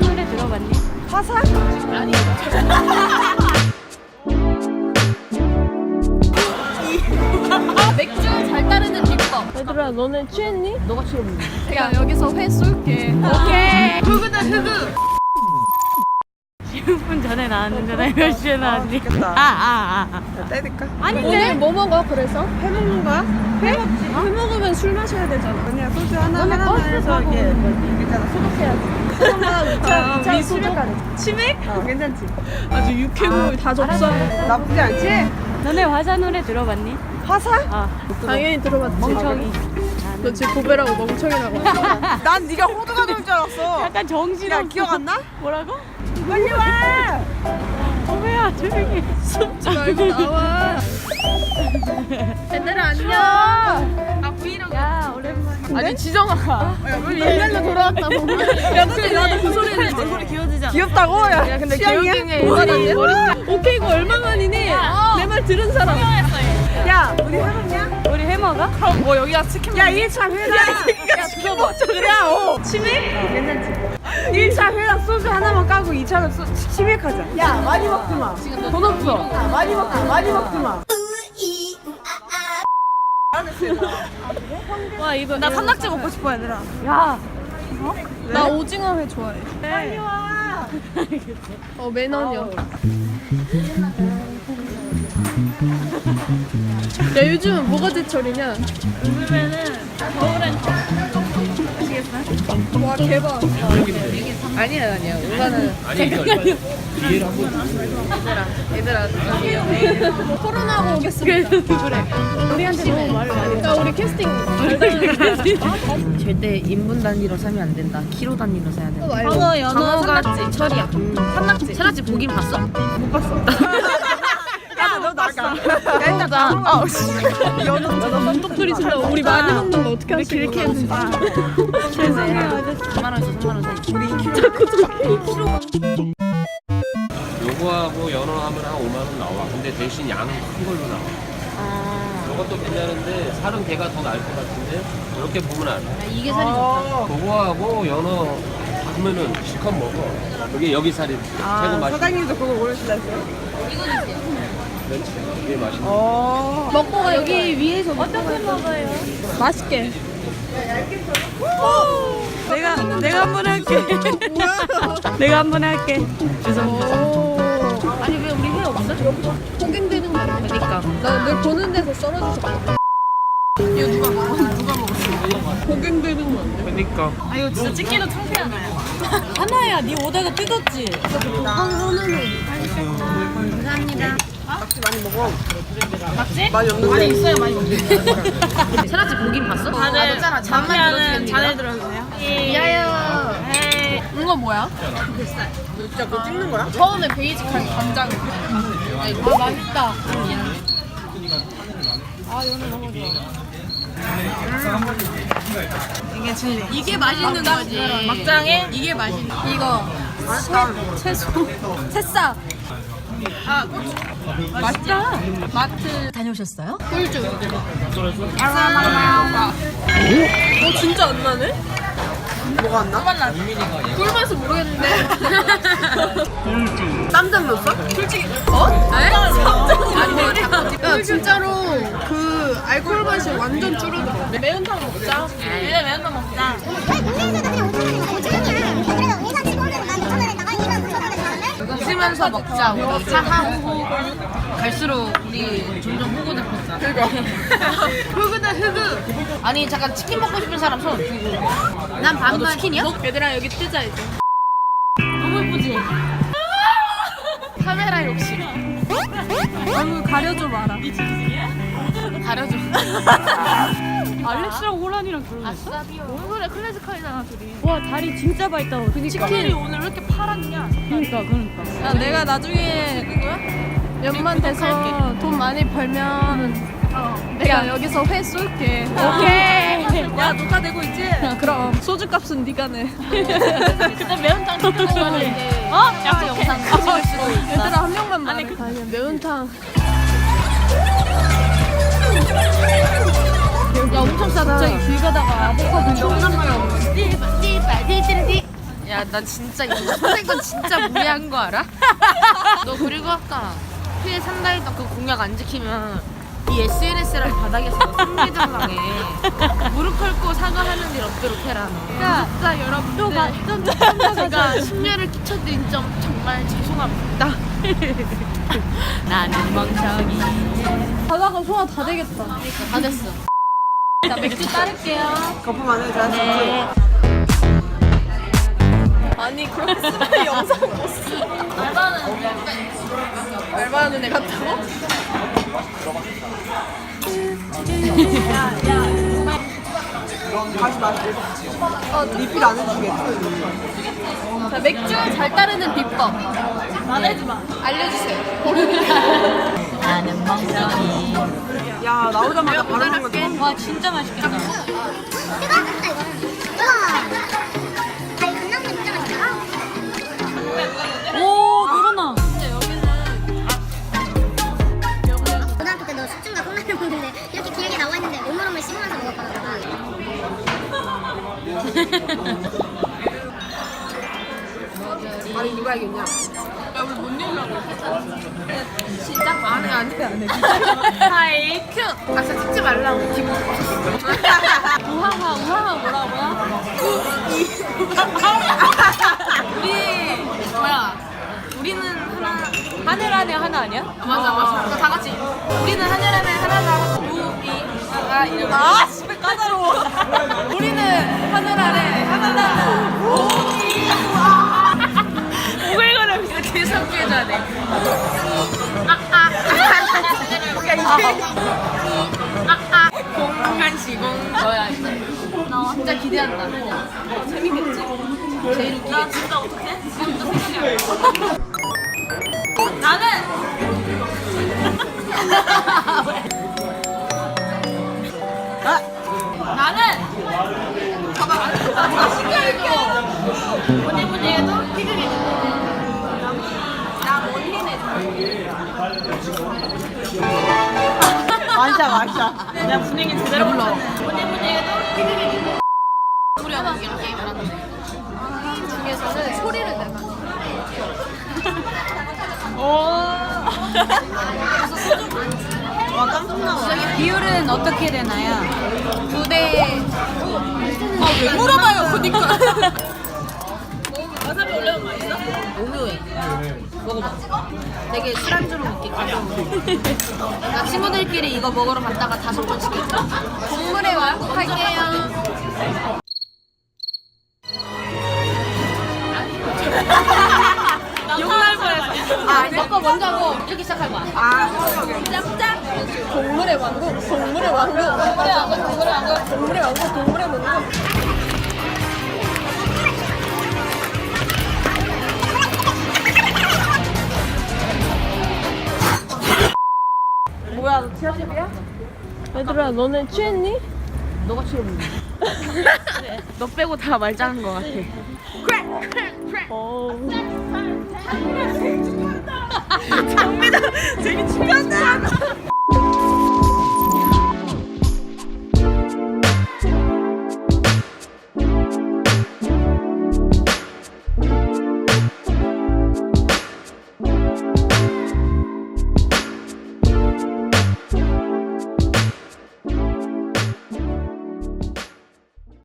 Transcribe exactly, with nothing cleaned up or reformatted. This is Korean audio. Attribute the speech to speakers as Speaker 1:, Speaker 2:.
Speaker 1: 노래 들어봤니?
Speaker 2: 화사?
Speaker 1: 아니. 맥주 잘 따르는 비법.
Speaker 2: 얘들아 너네 취했니?
Speaker 1: 너가 취했니?
Speaker 2: 야 여기서 회 쏠게.
Speaker 1: 오케이.
Speaker 2: 흑우다 흑우.
Speaker 1: 십 분 전에 나왔는데 나 몇 시에 나왔니?
Speaker 2: 좋겠다.
Speaker 1: 아아아 아, 아.
Speaker 2: 때릴까?
Speaker 1: 아닌데?
Speaker 2: 오늘 뭐 먹어 그래서? 회 먹는 거야? 회? 먹지. 회 먹으면 술 마셔야 되잖아. 그냥 소주 하나 하나만 해서 이게 괜찮아. 소독해야지. 아, 미 소독? 치맥? 어 괜찮지. 아주 육회국물 다 접수. 나쁘지 않지?
Speaker 1: 너네 화사 노래 들어봤니?
Speaker 2: 화사?
Speaker 1: 아
Speaker 2: 당연히 들어봤지.
Speaker 1: 멍청이.
Speaker 2: 너 지금 고배라고 멍청이라고. 난 네가 호두가 될 줄 알았어.
Speaker 1: 약간 정신없어.
Speaker 2: 야 기억 안 나?
Speaker 1: 뭐라고?
Speaker 2: 빨리 와.
Speaker 1: 어머야 조용히.
Speaker 2: 숨지 말고 나와. 얘들아 안녕. 아 브이로그.
Speaker 1: 야 오랜만에.
Speaker 2: 아니 지정아. 옛날로 돌아왔다고. 야 근데 나도 그 소리 했는데 내 소리 귀여워지지 않아? 귀엽다고? 야, 야 근데 귀여움에 애들이 머리. 오케이 이거 얼마만이니? 내 말 들은 사람. 야 우리 해먹냐?
Speaker 1: 우리 해 먹어?
Speaker 2: 그럼 뭐 여기가 치킨. 야 일 차 회랑. 야 치킨 먹자 그래. 어. 치맥? 어, 괜찮지. 일 차 회랑 소주 하나만 까고 이 차는 소, 치맥하자. 야 많이 먹지 마. 돈 없어. 아, 많이 먹지 마. 많이 먹지 마. 와 이거 나 산낙지 먹고 싶어 얘들아.
Speaker 1: 야.
Speaker 2: 나 오징어 회 좋아해. 빨리 와. 어 매너녀. 야 요즘은 뭐가 제철이냐?
Speaker 1: 요즘에는 겨울엔 아시겠어요?
Speaker 2: 와 대박.
Speaker 1: 아니야 아니야. 우선은
Speaker 3: 이해를 한번
Speaker 1: 얘들아 얘들아
Speaker 2: 코로나가 오겠습니다.
Speaker 1: 그래. 우리한테 너무 말을 많이 해.
Speaker 2: 야 우리 캐스팅
Speaker 4: 절대 인분 단위로 사면 안 된다. 키로 단위로 사야 된다.
Speaker 2: 광어 연어 산낙지
Speaker 4: 철이야. 산낙지. 산낙지 보긴 봤어?
Speaker 2: 못 봤어. 야너 나가.
Speaker 4: 일단 나. 어.
Speaker 2: 연어 똑소리 질러. 우리 많이 먹는 거 어떻게 하시고?
Speaker 4: 이렇게 해준다.
Speaker 1: 죄송해요.
Speaker 4: 삼만 원에서 삼만 원 사이.
Speaker 2: 우리 자꾸
Speaker 3: 요거하고 연어 하면 한 오만 원 나와. 근데 대신 양은 큰 걸로 나와.
Speaker 4: 아.
Speaker 3: 이것도 괜찮은데 살은 걔가 더 나을 것 같은데 이렇게 보면 안 돼.
Speaker 4: 이게 살이 좋다.
Speaker 3: 그거하고 연어 하면은 실컷 먹어. 이게 여기 살이 최고 맛있어.
Speaker 2: 사장님도 그거 고르시다 했어요?
Speaker 3: 그렇지. 이게 맛있어.
Speaker 2: 어. 먹고 가 여기 위에서
Speaker 1: 어떻게 먹어요?
Speaker 2: 맛있게.
Speaker 1: 내가 내가 한 번 할게. 내가 한 번 할게. 죄송합니다.
Speaker 4: 아니 왜 우리 회 없어?
Speaker 2: 폭행되는 거 아니야?
Speaker 4: 그러니까.
Speaker 2: 나 늘 보는 데서 썰어주셨거든. 이거 누가 먹어? 누가 먹었어? 폭행되는 거 아니야?
Speaker 3: 그러니까.
Speaker 1: 아 이거 진짜 찍기도 창피하나요? 하나야, 네 오다가 뜯었지?
Speaker 4: 감사합니다.
Speaker 2: 낙지 많이 먹어.
Speaker 1: 맞지?
Speaker 2: 많이 없는데.
Speaker 1: 많이 있어요, 많이 없는데.
Speaker 4: 산낙지 보긴 봤어?
Speaker 1: 다들
Speaker 4: 잖아
Speaker 1: 잠시하는 자네 들어주세요.
Speaker 4: 미아요.
Speaker 1: 에이.
Speaker 2: 이거 뭐야? 진짜 그거 찍는 거야?
Speaker 1: 처음에 베이직한 간장. 아 이거 맛있다. 아 연어 너무 좋아.
Speaker 2: 이게 진리.
Speaker 1: 이게 맛있는 거지. 막장에 이게 맛있는. 이거 채, 채소, 새싹. 아 고추. 맛있다. 마트 다녀오셨어요? 꿀주. 아,
Speaker 2: 어 진짜 안 나네? 뭐가 안 나?
Speaker 1: 맛나. 꿀맛은 모르겠는데.
Speaker 2: 쌈장 넣었어?
Speaker 1: 솔직히 어? 네? 쌈장이 아니고
Speaker 2: 야 진짜로 그 알코올 맛이 완전 줄어들어. 매운탕 먹자.
Speaker 1: 이제 매운탕 먹자.
Speaker 4: 웃으면서 먹자. 우리 차하고 갈수록 우리 점점 호구되었자.
Speaker 2: 그거. 흑우다 흑우.
Speaker 4: 아니 잠깐 치킨 먹고 싶은 사람 손. 난 반만 치킨이야?
Speaker 2: 얘들아 여기 뜨자 이제.
Speaker 1: 너무 예쁘지?
Speaker 4: 카메라 욕심.
Speaker 2: 얼굴 가려줘 마라.
Speaker 4: 가려줘.
Speaker 1: 알렉스랑 호란이랑 결혼했어?
Speaker 4: 아싸비오.
Speaker 1: 뭔 소리야, 클래식하이잖아 둘이. 와 다리 진짜 밝다. 그니까. 치킨이 오늘 왜 이렇게 파랗냐? 그러니까 그러니까.
Speaker 2: 야 내가 나중에 연만 돼서 돈 많이 벌면 내가 여기서 회 쏠게.
Speaker 1: 오케이.
Speaker 2: 야 녹화되고 있지? 그럼 소주값은 네가 내.
Speaker 1: 그때 매운탕 시켜 먹었는데. 어? 약속해.
Speaker 4: 영상 찍을 수도 있어.
Speaker 2: 얘들아 한 명만 말해. 아니, 그... 아니야 매운탕.
Speaker 4: 야 엄청 싸다.
Speaker 2: 갑자기 길 가다가 아보카도
Speaker 4: 존나 많아. 야 야, 난 진짜 이거 선생 건 진짜 무리한 거 알아? 너 그리고 아까 피해 산다 했던 그 공약 안 지키면 이 에스엔에스랑 바닥에서 승리장당해. 무릎 꿇고 사과하는 일 없도록 해라. 너. 진짜 여러분들 제가 심려를 끼쳐드린 점 정말 죄송합니다. 나는 멍청이.
Speaker 2: 가다가 소화 다 되겠다.
Speaker 4: 다 됐어. 자, 맥주 따를게요.
Speaker 2: 거품 안 해도 잘수
Speaker 4: 네.
Speaker 2: 아니 그렇게 쓰는 영상 못 써.
Speaker 4: 알바는
Speaker 2: 알바하는 애 같다고? 다시 마실게. 어, 리필 안 해주겠지?
Speaker 4: 자, 맥주 잘 따르는 비법. 말하지 마. 알려주세요. 나는 멍청이.
Speaker 2: 야 나오자마자 바로 먹는 거지.
Speaker 4: 와, 진짜 맛있겠다. 오, 그러나.
Speaker 5: 고등학교 때 너 숙주인가 콩나물 먹는데 이렇게 길게 나와 있는데 오물오물 씹으면서 먹었거든.
Speaker 2: 아니 누가 알겠냐? 야 우리 못 내려고
Speaker 4: 시작?
Speaker 2: 안해 안해 안해.
Speaker 4: 하이, 큐. 아, 진짜 찍지 말라고. 기분 우하하, 우하하 뭐라고요? 우리, 뭐야. 우리는 하나. 하늘 안에 하나 아니야? 맞아, 맞아. 다 같이. 우리는 하늘 안에 하나다. 우리가 이름. 아, 씨발 까다로워. 우리는 하늘 안에 하나다. 우리가. 오글거려. 이렇게 섞여줘야 돼. 아, 아. 아아 공간 시공 너야 이제. 나 진짜 기대한다. 재밌겠지? 제일 웃기게. 나 진짜 어떡해? 지금부터 생각해. 나는 아 나는 봐봐. 나 신기해줘. 뭐니 뭐니 해도 피그리. 나 원hin해.
Speaker 2: 완샷 완샷.
Speaker 4: 그냥 분위기 제대로 불러. 뭐니 뭐니 해도 피그리. 우리 언니랑 게임을 하는데 게임 중에서는 소리를 내면
Speaker 2: 와 깜짝 놀랐어.
Speaker 4: 저기 비율은 어떻게 되나요? 두 대. 아, 왜 물어봐요, 그니까. 와사비 올려면 맛있어? 오묘해. 먹어봐. 되게 술안주로 먹겠거든. 나 친구들끼리 이거 먹으러 갔다가 다섯 번 시켰어. 동물의 왕국 할게요. 욕날 뻔했어. 아, 너거 먼저 하고 이렇게 시작할 거야.
Speaker 2: 아 오케이 오케이.
Speaker 4: 짭짭.
Speaker 2: 동물의 왕국 동물의 왕국
Speaker 4: 동물의 왕국, 동물의 왕국.
Speaker 2: 동물의 왕국 동물의 왕국. 뭐야 너 티아십이야? 얘들아 너네 취했니?
Speaker 4: 너가 취해보니. 너 빼고 다 말짱한 거 같아.
Speaker 2: 어. 장미다 되게 중요하다.